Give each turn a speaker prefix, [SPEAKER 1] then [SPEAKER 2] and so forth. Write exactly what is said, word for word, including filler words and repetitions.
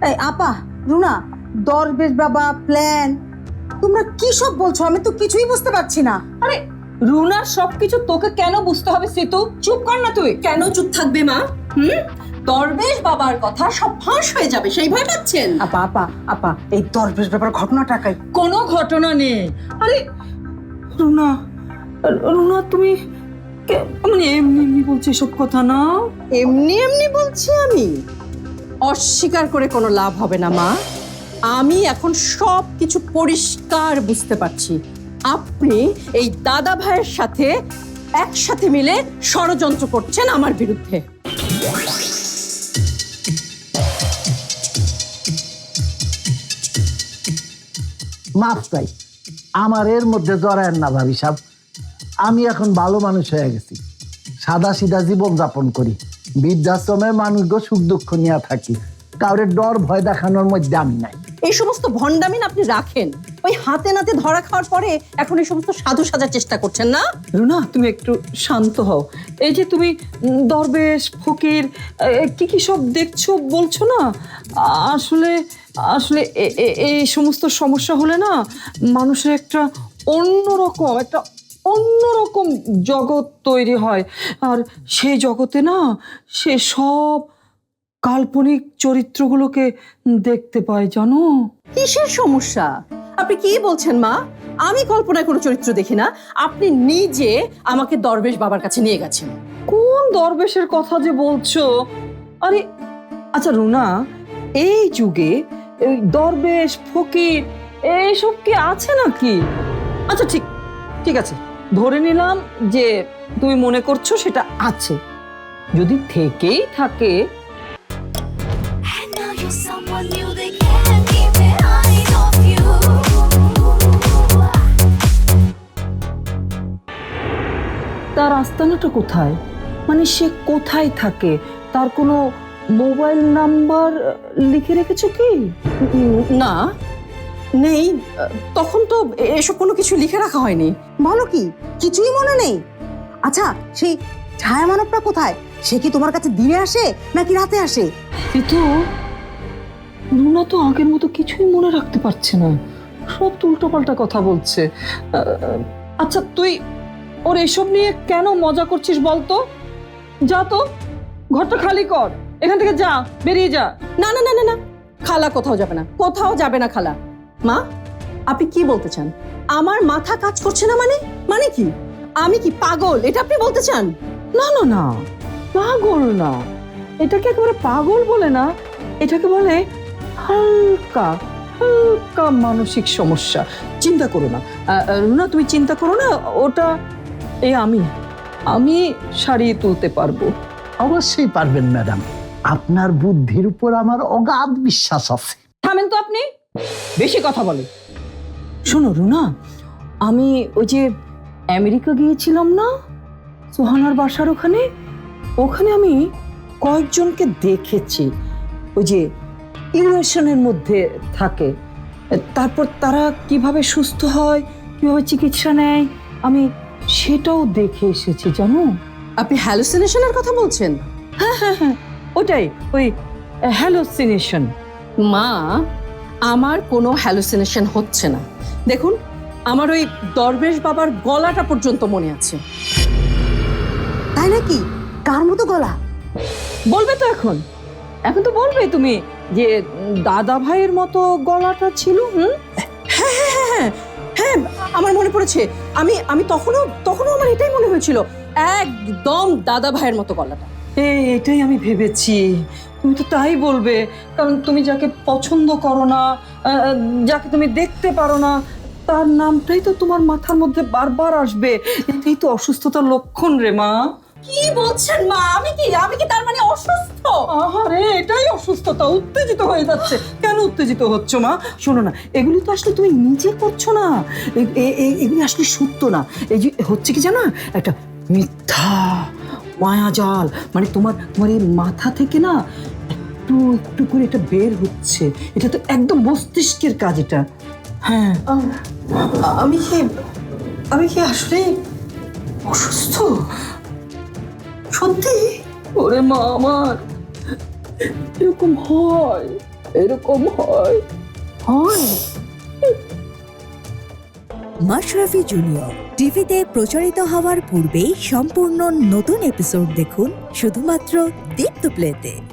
[SPEAKER 1] এই আপা, রুনা, দরবেশ বাবা, প্ল্যান, তোমরা কি সব বলছো? আমি তো কিছুই বুঝতে পারছি না।
[SPEAKER 2] আরে রুনার সবকিছু তোকে কেন বুঝতে হবে সিতু? চুপ কর না তুই।
[SPEAKER 3] কেন চুপ থাকবে মা? হুম, দরবেশ বাবার কথা সব ফাঁস হয়ে যাবে সেই ভয় পাচ্ছেন?
[SPEAKER 1] আপা আপা আপা এই দরবেশ বাবার ঘটনাটাকাই
[SPEAKER 2] কোনো ঘটনা নেই। আরে রুনা, রুনা তুমি কে- মানে এমনি এমনি বলছি সব কথা না।
[SPEAKER 3] এমনি এমনি বলছি আমি? অস্বীকার করে কোনো লাভ হবে না মা। আমি এখন সব কিছু পরিষ্কার বুঝতে পারছি। আপনি এই দাদা ভাইয়ের সাথে একসাথে মিলে ষড়যন্ত্র করছেন আমার বিরুদ্ধে।
[SPEAKER 4] মাফ চাই, আমার এর মধ্যে জড়ায়েন না ভাবি সাহেব। আমি এখন ভালো মানুষ হয়ে গেছি, সাদা সিধা জীবন যাপন করি, বৃদ্ধাশ্রমের মানুষকে সুখ দুঃখ নিয়ে থাকি, কাউরে ডর ভয় দেখানোর মধ্যে আমি নাই।
[SPEAKER 3] এই সমস্ত ভণ্ডামিন আপনি রাখেন, ওই হাতে নাতে ধরা খাওয়ার পরে এখন এই সমস্ত সাধু সাজার চেষ্টা করছেন না?
[SPEAKER 2] রুনা তুমি একটু শান্ত হও। এই যে তুমি উম, দরবেশ ফকির এ, কি কি সব দেখছো বলছো না, আসলে আসলে এ- এ- এই সমস্ত সমস্যা হলে না মানুষের একটা অন্যরকম একটা অন্যরকম জগৎ তৈরি হয়। আর সেই জগতে না সে সব কাল্পনিক চরিত্রগুলোকে দেখতে পায়, জানো?
[SPEAKER 3] কিসের সমস্যা? আপনি কি বলছেন মা? আমি কল্পনায় কোনো চরিত্র দেখি না। আপনি নিজে আমাকে দরবেশ বাবার কাছে নিয়ে গেছেন।
[SPEAKER 2] কোন দরবেশের কথা যে বলছো? আরে আচ্ছা রুনা, এই যুগে এই দরবেশ ফকির এইসব কি আছে নাকি? আচ্ছা ঠিক ঠিক আছে, ধরে নিলাম যে তুমি মনে করছো সেটা আছে। যদি থেকেই থাকে
[SPEAKER 5] And now you're someone new, they can't keep their eyes off you.
[SPEAKER 2] তার আস্তানাটা কোথায়, মানে সে কোথায় থাকে, তার কোনো মোবাইল নাম্বার লিখে রেখেছো কি?
[SPEAKER 3] উম, না, নেই। তখন তো এসব কোনো কিছু লিখে রাখা হয়নি।
[SPEAKER 1] বলো কি, কিছুই মনে নেই? আচ্ছা, সেই ছায়া মানবটা কোথায়? সে কি তোমার কাছে দিনে আসে নাকি রাতে আসে?
[SPEAKER 2] কিন্তু রুনা তো আগের মতো কিছুই মনে রাখতে পারছে না, সব উল্টোপাল্টা কথা বলছে। আহ, আচ্ছা তুই ওর এসব নিয়ে কেন মজা করছিস বলতো? যা তো, ঘরটা খালি কর, এখান থেকে যা, বেরিয়ে যা।
[SPEAKER 3] না না না না না, খালা কোথাও যাবে না, কোথাও যাবে না খালা। মা, আপনি কি বলতে চান? আমার মাথা কাজ করছে না মানে? মানে কি? আমি কি পাগল, এটা আপনি বলতে চান?
[SPEAKER 2] না না না, পাগল না, এটাকে একেবারে পাগল বলে না, এটাকে বলে হালকা হালকা মানসিক সমস্যা। চিন্তা করো না আহ, আহ, রুনা, তুমি চিন্তা করো না, ওটা এই আমি আমি সারিয়ে তুলতে পারবো।
[SPEAKER 4] অবশ্যই পারবেন ম্যাডাম, আপনার বুদ্ধির উপর আমার অগাধ বিশ্বাস আছে।
[SPEAKER 2] থামেন তো আপনি, বেশি কথা বলে। শোনো রুনা, আমি ওই যে আমেরিকা গিয়েছিলাম না, সোহানার বাসার ওখানে, ওখানে আমি কয়েকজনকে দেখেছি ওই যে ইমোশনের মধ্যে থাকে, তারপর তারা কিভাবে সুস্থ হয়, কিভাবে চিকিৎসা নেয়, আমি সেটাও দেখে এসেছি, জানো?
[SPEAKER 3] আপনি হ্যালুসিনেশনের কথা বলছেন?
[SPEAKER 2] ওটাই, ওই হ্যালোসিনেশন।
[SPEAKER 3] মা, আমার কোনো হ্যালুসিনেশন হচ্ছে না। দেখুন, আমার ওই দরবেশ বাবার গলাটা পর্যন্ত মনে আছে।
[SPEAKER 1] তাই নাকি? কার মতো গলা?
[SPEAKER 2] বলবে তো এখন, এখন তো বলবে তুমি যে উম, দাদা ভাইয়ের মতো গলাটা ছিল। হুম,
[SPEAKER 3] হ্যাঁ হ্যাঁ হ্যাঁ হ্যাঁ হ্যাঁ, আমার মনে পড়েছে। আমি আমি তখনও তখনও আমার এটাই মনে হয়েছিল, একদম দাদা ভাইয়ের মতো গলাটা।
[SPEAKER 2] এই এটাই আমি ভেবেছি, তুমি তো তাই বলবে, কারণ তুমি যাকে পছন্দ করো না, আহ, যাকে তুমি দেখতে পারো না, তার নামটাই তো তোমার মাথার মধ্যে বারবার আসবে। এটাই তো অসুস্থতার লক্ষণ রে মা।
[SPEAKER 3] কি বলছেন মা? আমি কি আমি কি তার মানে অসুস্থ?
[SPEAKER 2] আহারে, এটাই অসুস্থতা, উত্তেজিত হয়ে যাচ্ছে। কেন উত্তেজিত হচ্ছ মা? শোনো না, এগুলি তো আসলে তুমি নিজে করছো না, এ- এ- এ- এগুলি আসলে সত্য না। এই যে হচ্ছে কি জানো, একটা মিথ্যা মায়াজাল, মানে তোমার তোমার এই মাথা থেকে না একটু একটু করে এটা বের হচ্ছে। এটা তো একদম মস্তিষ্কের কাজ এটা। হ্যাঁ,
[SPEAKER 3] আমি কি আমি কি আসলে অসুস্থ? সত্যি?
[SPEAKER 2] ওরে মা আমার, এরকম হয়,
[SPEAKER 3] এরকম হয়।
[SPEAKER 1] হয়
[SPEAKER 6] মাশরাফি জুনিয়র টিভিতে প্রচারিত হওয়ার পূর্বেই সম্পূর্ণ নতুন এপিসোড দেখুন শুধুমাত্র দীপ্ত প্লেতে।